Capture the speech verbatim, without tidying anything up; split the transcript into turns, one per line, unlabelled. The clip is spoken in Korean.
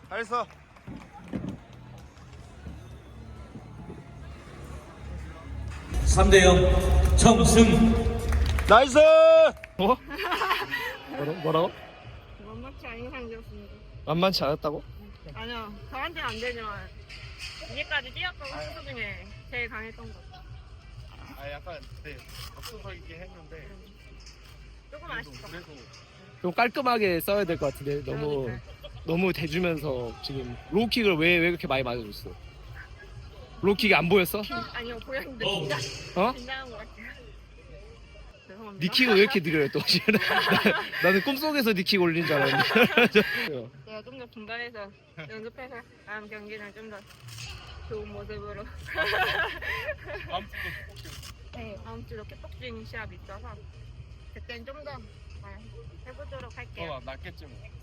잘했어.
삼 대 영 정승.
나이스.
뭐? 뭐라, 뭐라고?
만만치 않은 상대였습니다.
만만치 않았다고?
아니요, 저한테는 안 되지만 이제까지 뛰었던 선수 중에 제일 강했던 것 같아요.
아 약간 네 앞서서있긴 했는데
조금 아쉽다.
그래도
좀 깔끔하게 써야 될 것 같은데 너무 너무 대주면서 지금 로우킥을 왜, 왜 그렇게 많이 맞아줬어? 로우킥이 안 보였어?
아니요, 보였는데
어.
진짜
어?
긴장한 것 같아요. 죄송합니다.
니 킥을 왜 이렇게 느려요 또? 나, 나는 꿈속에서 니 킥 올린 줄 알았는데.
제가 좀 더 분발해서 연습해서 다음 경기는 좀 더 좋은 모습으로.
다음 주도
네, 다음 주로 킥복싱 시합이 있어서 그땐 좀 더 해보도록 할게요.
더 낫겠지 뭐.